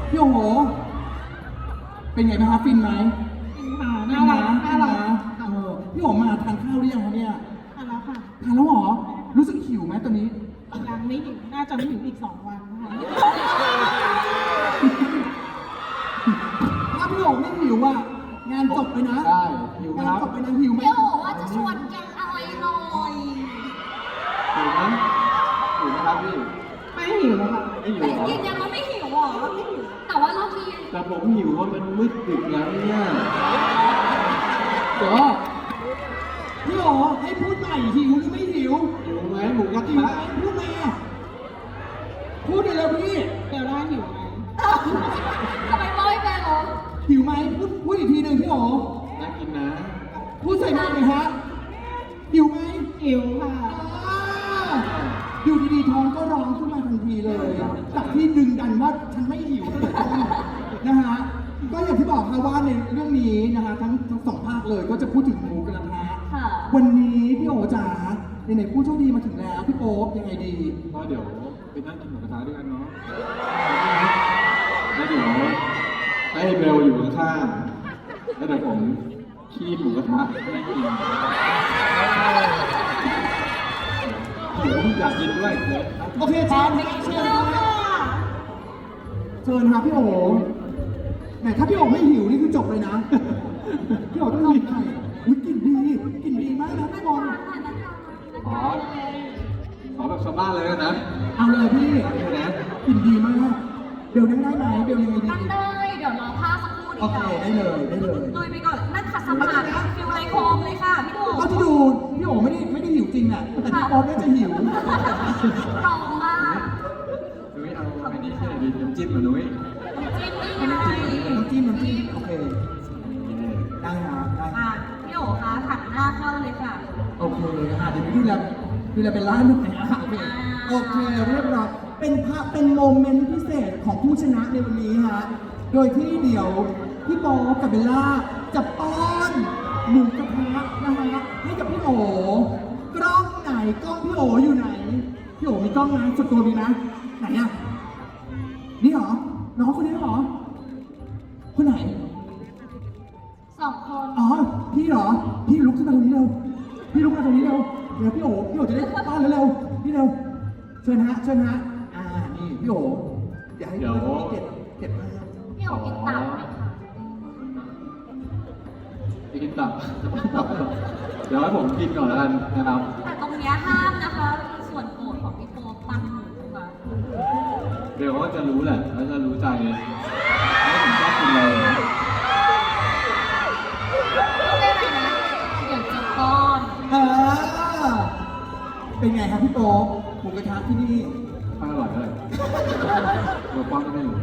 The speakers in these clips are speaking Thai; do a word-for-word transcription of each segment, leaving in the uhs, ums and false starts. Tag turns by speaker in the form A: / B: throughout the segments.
A: พี่โอเป็นไงบ้างคะฟินไหม
B: กินค่ะน่ารักน่ารัก
A: เออพี่โอมาทานข้าวหรือยังคะเนี่ย
B: ทานแล้วค่ะ
A: ทานแล้วเหรอรู้สึกหิวไหมตอนนี้
B: ยังไม่หิวน่าจะไม่หิวอีกสองวันค่ะ
A: ถ้าพี่โอไม่หิวอ่ะงานจบไปนะ
C: ใช่หิวไหม
A: งาน
C: ครับ
A: จบไปนะหิวไหม
D: พี่โอว่าจะชวนกินอะไรหน่อย
C: หิวไหมหิวไหมครับพี่
B: ไม่หิวแล้วค่ะ
C: ไม่หิว
D: แต่
C: เหรอ
D: ยืนยันว่าไม่หิวเหรอไม่หิวแต่ว่ารอบนี้
C: แต่ผมหิวว่ามันมืดดึกแล้วเนี่ย
A: เดี๋ยวพี่โอให้พูดใหม่หิวหรือไม่หิว
C: หิวไหมหมูกระ
A: หิว
C: ทะ
A: ไหมพูดมาพูดเลยแล้วพี่
B: เดี๋ยวได้หิวไหม
D: ทำไมไม่ไปหรอ
A: หิวไหมพูดพูดอีกทีหนึ่งพี่โอ
C: น่ากินนะ
A: พูดใส่มากเลยฮะหิวไหม
B: หิวค่ะ
A: อ่าอยู่ดีๆท้องก็ร้องขึ้นมาทันทีเลยจากที่ดึงดันว่าฉันไม่หิวตั้งแต่ต้นนะฮะก็อย่างที่บอกค่ะว่าในเรื่องนี้นะคะทั้งทั้งสองภาคเลยก็จะพูดถึงหมูกระทะ
D: ค่ะ
A: วันนี้พี่โอจ๋าไหนๆผู้โชคดีมาถึงแล้วพี่โป๊ปยังไงดี
C: ก็เดี๋ยวไปนั่งกินหมูกระทะด้วยกันเนาะแล้วเดี๋ยวให้เบลอยู่ข้างๆแล้วเดี๋ยวผมขี้หมูกระทะให้กินผมอยากกินด้วยเลย
A: โอเคเชิญเชิญเชิญครับพี่โอไหนถ้าพี่โอไม่หิวนี่คือจบเลยนะ พี่โอต้องทำไงอุ้ยกลิ่นดีกลิ่นดีมากนะพี่บอล
C: ขอขอแบบชาวบ้านเลยนะ
A: เอาเลยพี่
C: นี่นะ
A: กลิ่นดีมากเบลนั่งได้ไหมเบลยังไงดี
D: นั่งได้เดี๋ยวรอผ้าสักครู่ดี
A: โอเค
D: กว่า
A: ได้เลยได้เลย
D: ลุยไปก่อนนั่งขัดสมาธิฟิลไลโคมเลยค่ะพี่โอ
A: ก็ที่ดูพี่โอไม่ได้ไม่ได้หิวจริงอ่ะแต่พี่โป๊ปน่าจะหิว
D: ตรงมาก
C: นุ้ยเอาอันนี้ที่ไหนดีน้ำจิ้มมานุ้ย
D: น้ำจิ้มนี่ไง
A: น้ำจิ้มน้ำจิ้มโอเค
C: นี่
A: ได้ฮะได้
D: อ่ะพี่โอคะหันหน้าเข้าเลยค่ะ
A: โอเคอ่ะเดี๋ยวดูแลดูแลเป็นร้านหนึ่งนะโอเคโอเคเรียบร้อยเป็นภาพเป็นโมเมนต์พิเศษของผู้ชนะในวันนี้ฮะโดยที่เดี๋ยวพี่โป๊ปกับเบลล่าจะป้อนหมูกระทะนะฮะให้กับพี่โอกล้องไหนกล้องพี่โออยู่ไหนพี่โอมีกล้องไหมสุดตัวมีนะไหนอ่ะนี่เหรอน้องคนนี้เหรอคนไหน
D: สองคน
A: อ๋อ พี่เหรอ พี่ลุกขึ้นมาตรงนี้เร็ว พี่ลุกมาตรงนี้เร็ว เดี๋ยวพี่โอพี่โอจะได้ต้อนเร็วๆพี่เร็ว เชิญฮะ เชิญฮะ อ่า นี่พี่โอเดี๋ยวให้พี่เก็บเก็บภาพ
D: พี่โอกินตับไหมคะ
C: ไปกินตับตับเดี๋ยวให้ผมกินก่อนแล้วกันนะครับ
D: แต่ตรงเนี้ยห้ามนะคะคือส่วนโปรดของพี่โปปันหมูมา
C: เดี๋ยวก็จะรู้แหละแล้วจะรู้ใจว่าผมชอบกินอะไร
D: พูดได้ไหมนะเดี๋ยวจะป้อน
A: เออเป็นไงครับพี่โป๊ปหมูกระทะที่นี่
C: ไม่อร่อยเลยตัวป้อนก็ไม่รู้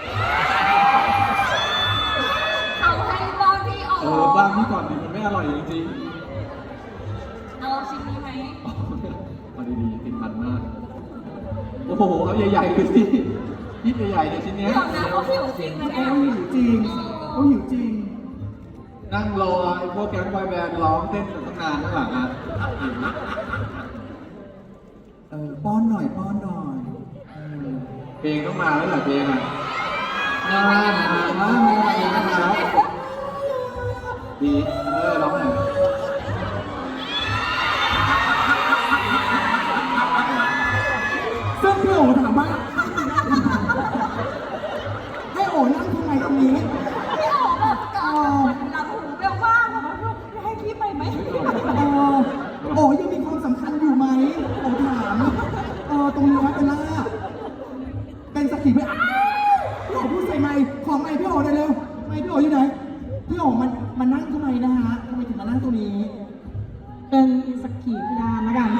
D: เขาให้ป้อนพี่โอ
C: เออบ้านพี่ก่อนดิมันไม่อร่อยจริง
D: เอาชิ้นนี้ไหม
C: ๆมาดีๆติดมันมาก โอ้โหเอาใหญ่ๆเลยสิยิ่ใหญ่ๆเลยชิ้นเนี้ย
D: เดี๋ยวนะเขาหิวจริงไหม
A: เขา
D: เนี่ย
A: หิวจริงเขาหิวจริง
C: นั่งรอไอ้พวกแก๊งบอยแบนด์ร้องเต้นกันตั้งนานข้างหลังอ่ะ
A: เออ ป้อนหน่อย ป้อนหน่อยเออ
C: เพลงต้องมาแล้วแหละเพลงอ่ะมามามามาเพลงต้องมาแล้วดีเออร้องหน่อย
A: ซึ่งพี่โอถามว่า ให้โอนั่งทำไมตรงนี้
D: พี่โอแบบกอดหลังหูเบลว่างบอกว่าลูกให้พี่ไปไหม
A: เออโอ้ยังมีความสำคัญอยู่ไหมโอ้ถามเออตรงนี้เป็นล่าเป็นสักขีพยานพี่โอพูดใส่ไมค์ขอไมค์พี่โอหน่อยเร็วไมค์พี่โออยู่ไหนพี่โอมันมันนั่งทำไมนะฮะทำไมถึงมานั่งตรงนี้
B: เป็นสักขีพยานแล้วกัน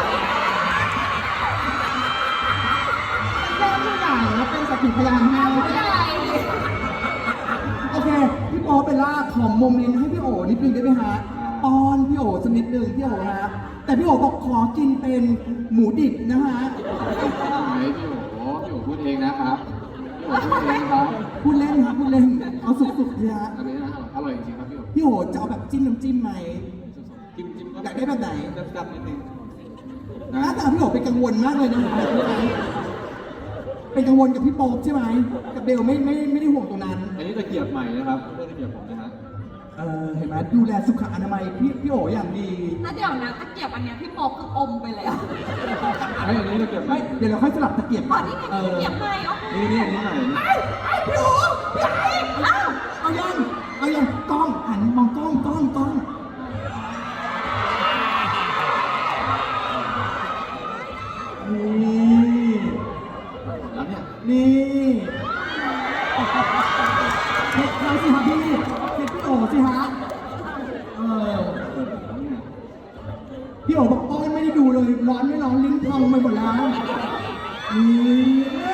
B: เป็นผู้ใหญ่แล้วเป็นสักขีพยานให้
D: ผู้ใหญ่
A: โอเคพี่โอเป็นล่าขอโมเมนต์ให้พี่โอนิดนึงได้ไหมฮะป้อนพี่โอสักนิดนึงพี่โอฮะแต่พี่โอบอกขอกินเป็นหมูดิบนะฮะ
C: ไหนพี่โอ๋พี่โอ๋พูดเองนะครับพี่โอ๋พูดเองครับ
A: พูดเล่นครับพูดเล่นเอาสุดๆเลยฮะ
C: อันนี้นะอร่อยจริงๆครับพี่โอ๋
A: พี่โอจะเอาแบบจิ้มน้ำจิ้มไหม
C: จิ้มจิ้ม
A: อยากได้แบบไหน
C: จับๆนิดนึง
A: หน้าตาพี่โอเป็นกังวลมากเลยนะฮะเป็นเป็นกังวลกับพี่โป๊ปใช่ไหมกับเบลไม่ไม่ไม่ได้ห่วงตรงนั้น
C: อันนี้ตะเกียบใหม่นะครับไม่ใช่ตะเกียบผมนะฮะ
A: เออเห็นไหมดูแลสุขอนามัยพี่พี่โออย่างดี
D: แล้วเดี๋ยวนะตะเกียบอันเนี้ยพี่โป๊ปคืออมไปแล้ว
C: ไอ้อันนี้ตะเกียบใหม่
A: ไม่เดี๋ยวเราค่อยสลับตะเกียบ
D: อ๋อนี่ไงตะเกียบใหม่อ๋อ
C: นี่นี่อันนี้ใหม่
D: ไอ้ไอ้พี่โอ๋พี่ไอ้อ้าว
A: เอายังเอายังกล้องหันมองกล้องกล้องกล้องนี่
C: แล้วเนี่ย
A: นี่เช็คเขาสิฮะพี่เช็คพี่โอสิฮะเออ
C: เปิดแล้วเนี่ย
A: พี่โอบอกป้อนไม่ได้ดูเลยร้อนไม่ร้อนลิ้นพองไปหมดแล้วนี่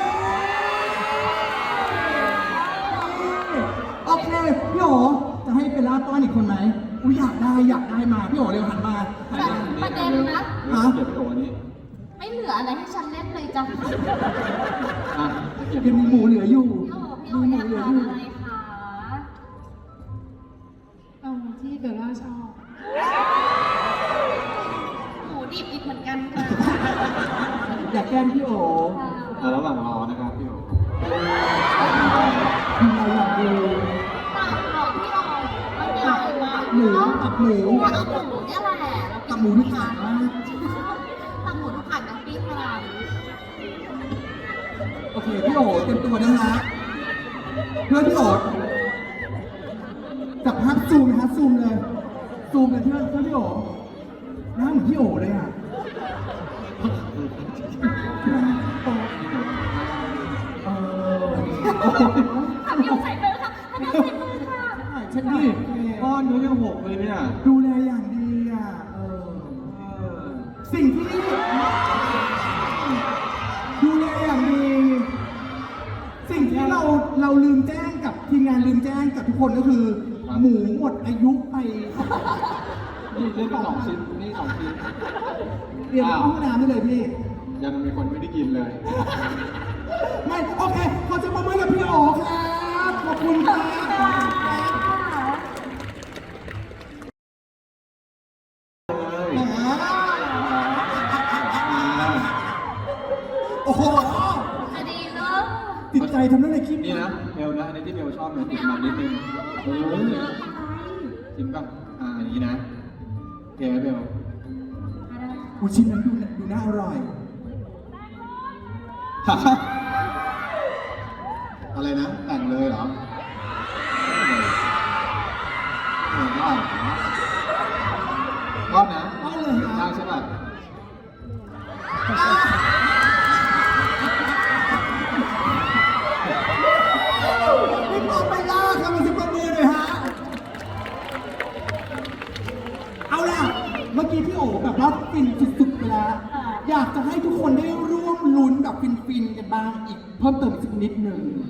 A: โอเคพี่โอจะให้เป็นลาป้อนอีกคนไหมอุ้ยอยากได้อยากได้มาพี่โอเร็วหันมา
D: แต่ประเด็นนะ
C: ตะเกียบพี่โออันนี้
D: ไม่เหลืออะไรให้ฉันเล่นเลยจ้ะ
C: อ่ะตะเกียบ
A: ยังมีหมูเหลืออยู่
D: พี่โอ๋พี่โอ๋
A: มีห
D: อ
A: มู
D: ยาก
A: เหลือ
D: ทา
A: อน ยู่
D: อะไรคะ
B: เอาที่เบลล่าชอบ
D: หมูดิบอีกเหมือนกันค่ะ
A: อยากแกล้งพี่โอ
C: อ่ะระหว่างรอนะครับพี่โอ
A: ทำอะไรอยากดู
D: ปากของพี่โอ๋ไม่มีอะไรมาก
A: หมูกับหมู
D: แล้วก็หมูเนี่ยแหละ
A: กับหมูที่ขาดมาก
D: ตักหมูทุกขันน้ำปิ้งมา
A: โอเคพี่โอเต็มตัวนะฮะเพื่อนพี่โอจับภาพซูมนะฮะซูมเลยซูมเลยเพื่อนเพื่อนพี่โอหน้าเหมือนพี่โอเลยอ่ะเออ
D: ทำพี่โอ๋ใส่มือค่ะทำพี่โอ๋ใส่มือค่ะ
A: เช็ด
C: นี่
A: นี่
C: ก้อนเนื้อยังหกเลยเนี่ย
A: ดูแลอย่างดีอ่ะเออ
C: เออ
A: สิ่งที่ดูแลอย่างดี สิ่งที่เราเราลืมแจ้งกับทีมงานลืมแจ้งกับทุกคนก็คือ หมูหมดอายุไป
C: นี่เล่นไปสองชิ้นนี่สองชิ้น
A: เตรียมเข้าห้องน้ำได้เลยพี่
C: ยังมีคนไม่ได้กินเลย
A: ไม่โอเคขอจะประเมินกับพี่โอ๋ครับขอบคุณครับโอ้โห
D: จะดีเนอะ
A: ติดใจทำเรื่องในคลิป
C: นี่นะเบลนะอันนี้ที่เบลชอบเนี่ยติดมันนิดนึงโอ้ย
D: เยอะไป
C: จริงป่ะอ่าอันนี้นะโอเคไหมเบล
A: อูชิ้นนั้นดูดูน่าอร่อย
C: อะไรนะ แต่งเลยเหรอเออก็ก็นะ
A: ก็เลยค
C: ได้
A: รับ
C: ใช่ป่ะ
A: พี่โป๋ไปล่าครับมาสิบประมือหน่อยฮะ เอาล่ะ เมื่อกี้พี่โอ๋แบบว่าฟินสุดๆไปแล้ว อยากจะให้ทุกคนได้ร่วมลุ้นแบบฟินๆกันบ้างอีกเพิ่มเติมอีกสักนิดหนึ่ง